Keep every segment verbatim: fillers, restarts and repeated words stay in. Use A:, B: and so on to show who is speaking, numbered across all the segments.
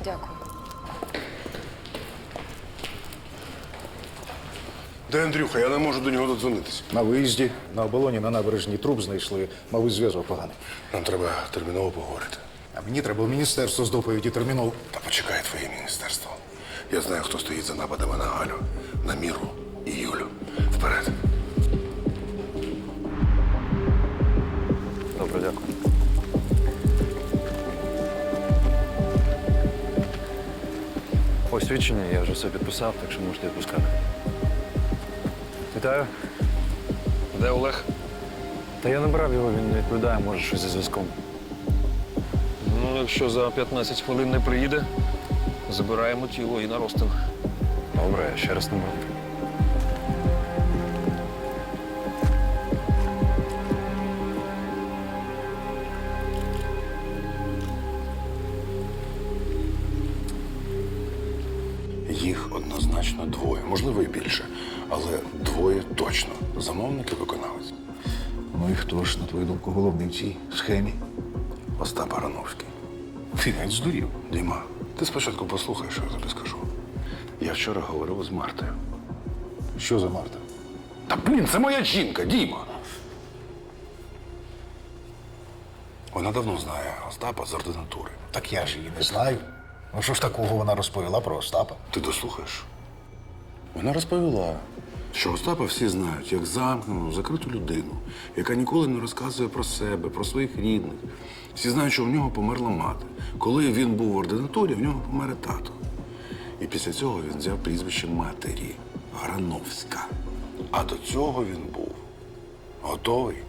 A: Дякую.
B: Де Андрюха? Я не можу до нього додзвонитися.
C: На виїзді, на оболоні, на набережній труп знайшли. Мабуть, зв'язок поганий.
B: Нам треба терміново поговорити.
C: А мені треба в міністерство з доповіді терміново.
B: Та почекай твоє міністерство. Я знаю, хто стоїть за нападами на Галю, на Міру і Юлю. Вперед.
D: Добре, дякую. Ось свідчення, я вже все підписав, так що можете відпускати. Вітаю. Де Олег? Та я набрав його, він не відповідає, може щось зі зв'язком. Ну, якщо за п'ятнадцять хвилин не приїде, забираємо тіло і на розтин. Добре, я ще раз набрав.
B: Їх однозначно двоє, можливо, і більше. Але двоє точно. Замовник і виконавець.
C: Ну і хто ж, на твою думку, головний в цій схемі?
B: Остап Барановський.
C: Ти геть здурів.
B: Діма, ти спочатку послухай, що я тобі скажу. Я вчора говорив з Мартою.
C: Що за Марта?
B: Та, блін, це моя жінка, Діма. Вона давно знає Остапа з ординатури.
C: Так я ж її не знаю. Ну що ж такого вона розповіла про Остапа?
B: Ти дослухаєш? Вона розповіла, що Остапа всі знають як замкнену, закриту людину, яка ніколи не розказує про себе, про своїх рідних. Всі знають, що в нього померла мати. Коли він був в ординатурі, в нього помер тато. І після цього він взяв прізвище матері – Грановська. А до цього він був готовий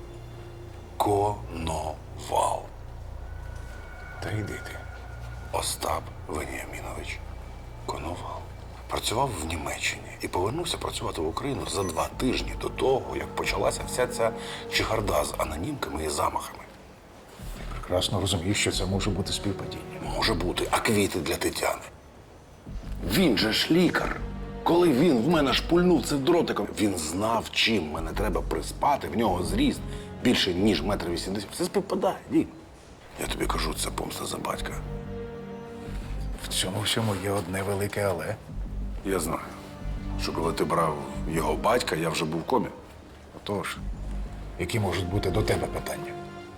B: Коновал.
C: Та йди ти.
B: Остап Веніамінович Коновал працював в Німеччині і повернувся працювати в Україну за два тижні до того, як почалася вся ця чехарда з анонімками і замахами.
C: Ти прекрасно розумієш, що це може бути співпадіння.
B: Може бути, а квіти для Тетяни. Він же ж лікар. Коли він в мене шпульнув цим дротиком, він знав, чим мене треба приспати, в нього зріст більше, ніж метр вісімдесят. Все співпадає, Дім. Я тобі кажу, це помста за батька.
C: В цьому всьому є одне велике але.
B: Я знаю, що коли ти брав його батька, я вже був в комі.
C: Отож, які можуть бути до тебе питання?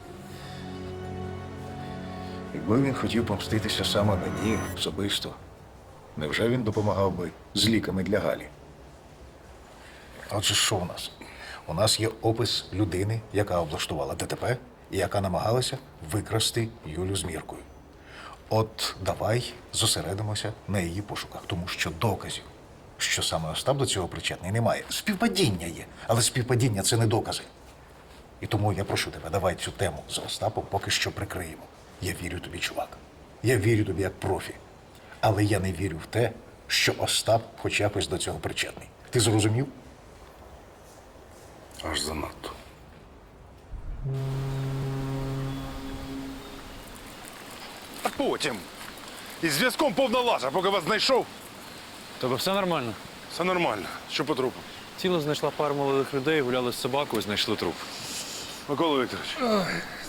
C: Якби він хотів помститися саме мені особисто, невже він допомагав би з ліками для Галі? Отже, що у нас? У нас є опис людини, яка облаштувала ДТП і яка намагалася викрасти Юлю з Міркою. От давай зосередимося на її пошуках, тому що доказів, що саме Остап до цього причетний, немає. Співпадіння є, але співпадіння – це не докази. І тому я прошу тебе, давай цю тему з Остапом поки що прикриємо. Я вірю тобі, чувак. Я вірю тобі як профі. Але я не вірю в те, що Остап хоч якось до цього причетний. Ти зрозумів?
B: Аж занадто.
E: А потім. Із зв'язком повна лажа, поки вас знайшов.
D: Тобто все нормально?
B: Все нормально. Що по трупу?
D: Тіло знайшла пара молодих людей, гуляли з собакою, знайшли труп.
B: Микола Вікторович.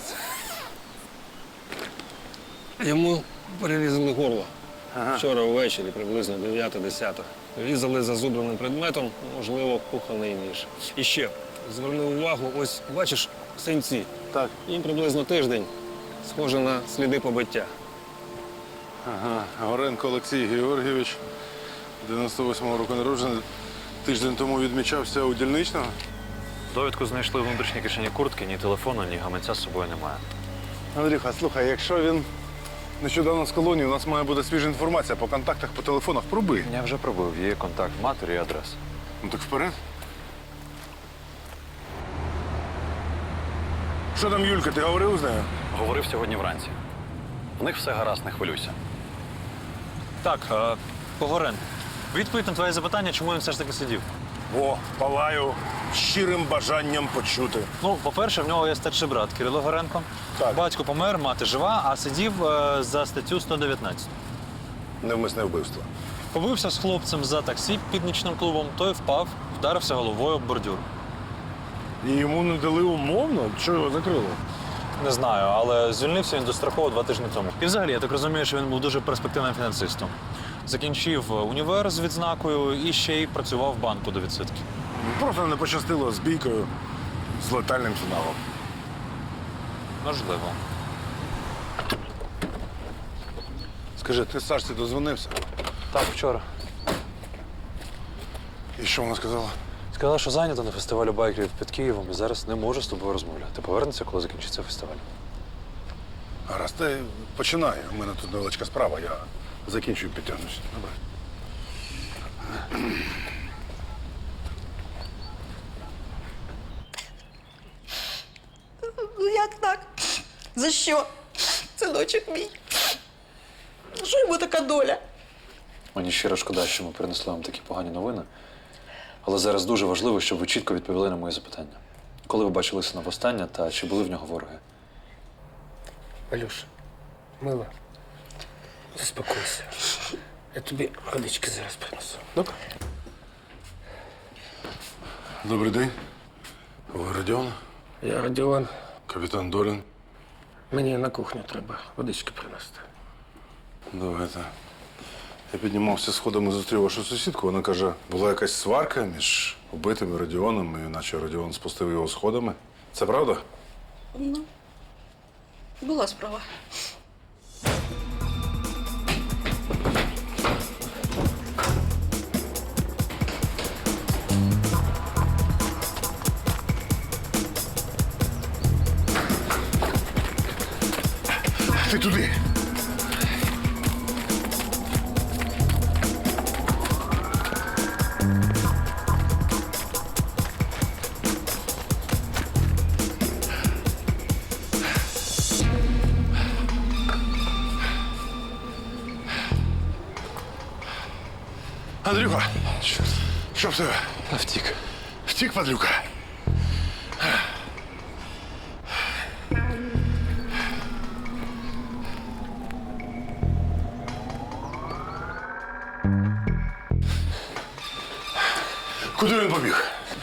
F: Йому перерізали горло. Ага. Вчора ввечері, приблизно дев'ята-десята. Різали зазубреним предметом, можливо, кухонний ніж. І ще, зверни увагу, ось, бачиш, синці.
B: Так.
F: Їм приблизно тиждень. Схоже на сліди побиття.
E: Ага. Горенко Олексій Георгійович, дев'яносто восьмого року народжений. Тиждень тому відмічався у дільничного.
D: Довідку знайшли в внутрішній кишені куртки, ні телефону, ні гаманця з собою немає.
E: Андрюха, слухай, якщо він нещодавно з колонії, у нас має бути свіжа інформація по контактах, по телефонах. Пробий.
D: Я вже пробив, є контакт матері і адреса.
E: Ну так вперед. Що там, Юлька, ти говорив з нею?
D: Говорив сьогодні вранці. В них все гаразд, не хвилюйся.
G: Так, е, Погорен. Відповідь на твоє запитання, чому він все ж таки сидів.
E: О, палаю щирим бажанням почути.
G: Ну, по-перше, в нього є старший брат Кирило Горенко.
E: Так.
G: Батько помер, мати жива, а сидів е, за статтю сто дев'ятнадцять.
E: Невмисне вбивство.
G: Побився з хлопцем за таксі під нічним клубом, той впав, вдарився головою об бордюр.
E: І йому не дали умовно? Чого його закрили?
G: Не знаю, але звільнився він достроково два тижні тому. І взагалі, я так розумію, що він був дуже перспективним фінансистом. Закінчив універ з відзнакою і ще й працював в банку до відсидки.
E: Просто не пощастило з бійкою з летальним фіналом.
G: Можливо.
E: Скажи, ти Сашці дозвонився?
G: Так, вчора.
E: І що вона сказала?
G: Сказала, що зайнята на фестивалю байкерів під Києвом і зараз не може з тобою розмовляти. Повернеться, коли закінчиться фестиваль.
E: Гаразд, ти починай. У мене тут невеличка справа, я закінчую і підтягнуся. Добре.
A: Ну як так? За що? Синочок мій. Що йому така доля?
G: Мені щиро шкода, що ми принесли вам такі погані новини. Але зараз дуже важливо, щоб ви чітко відповіли на мої запитання. Коли ви бачили сина востаннє та чи були в нього вороги?
H: Алюша, мила, заспокойся. Я тобі водички зараз принесу. Добре?
E: Добрий день. Ви Родіон?
H: Я Родіон.
E: Капітан Долін.
H: Мені на кухню треба водички принести.
E: Давайте. Я піднімався сходами, зустрів вашу сусідку. Вона каже, була якась сварка між убитим і Родіоном, і наче Родіон спустив його сходами. Це правда?
A: Ну, була справа.
E: Ти туди! Андрюха! Що в тебе?
G: Втік.
E: Втік, падлюка? Куди він побіг?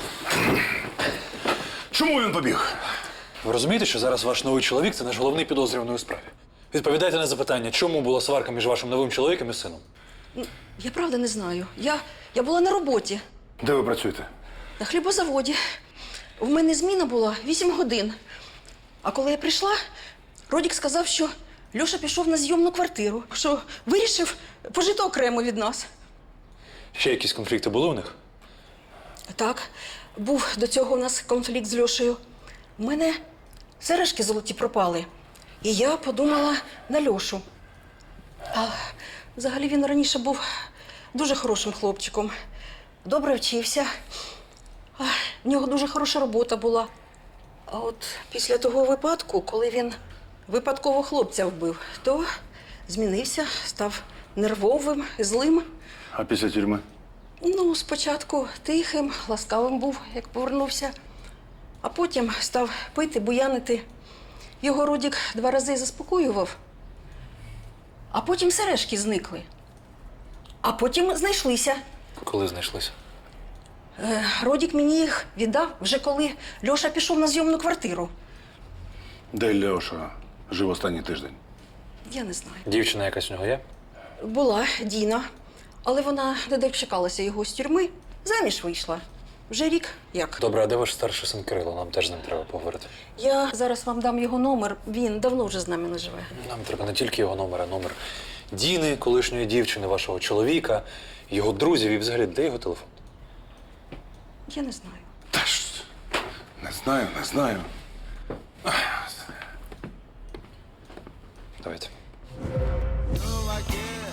E: Чому він побіг?
G: Ви розумієте, що зараз ваш новий чоловік – це наш головний підозрюваний у справі? Відповідайте на запитання, чому була сварка між вашим новим чоловіком і сином?
A: Я правда не знаю. Я, я була на роботі,
E: Де ви працюєте?
A: на хлібозаводі. В мене зміна була вісім годин. А коли я прийшла, Родік сказав, що Льоша пішов на зйомну квартиру, що вирішив пожити окремо від нас.
G: Ще якісь конфлікти були у них?
A: Так, був до цього у нас конфлікт з Льошею. У мене сережки золоті пропали. І я подумала на Льошу. А взагалі він раніше був дуже хорошим хлопчиком. Добре вчився. А, в нього дуже хороша робота була. А от після того випадку, коли він випадково хлопця вбив, то змінився, став нервовим, злим.
E: А після тюрми?
A: Ну, спочатку тихим, ласкавим був, як повернувся. А потім став пити, буянити. Його Родік два рази заспокоював. А потім сережки зникли. А потім знайшлися.
G: Коли знайшлися?
A: Е, Родік мені їх віддав вже коли Льоша пішов на зйомну квартиру.
E: Де Льоша жив останній тиждень?
A: Я не знаю.
G: Дівчина якась у нього є?
A: Була Діна, але вона не дочекалася його з тюрми. Заміж вийшла. Вже рік як.
G: Добре, а де ваш старший син Кирило? Нам теж з ним треба поговорити.
A: Я зараз вам дам його номер. Він давно вже з нами не живе.
G: Нам треба не тільки його номер, а номер Діни, колишньої дівчини, вашого чоловіка, його друзів і взагалі, де його телефон?
A: Я не знаю.
E: Та ж, не знаю, не знаю.
G: Давайте.
I: No, I can't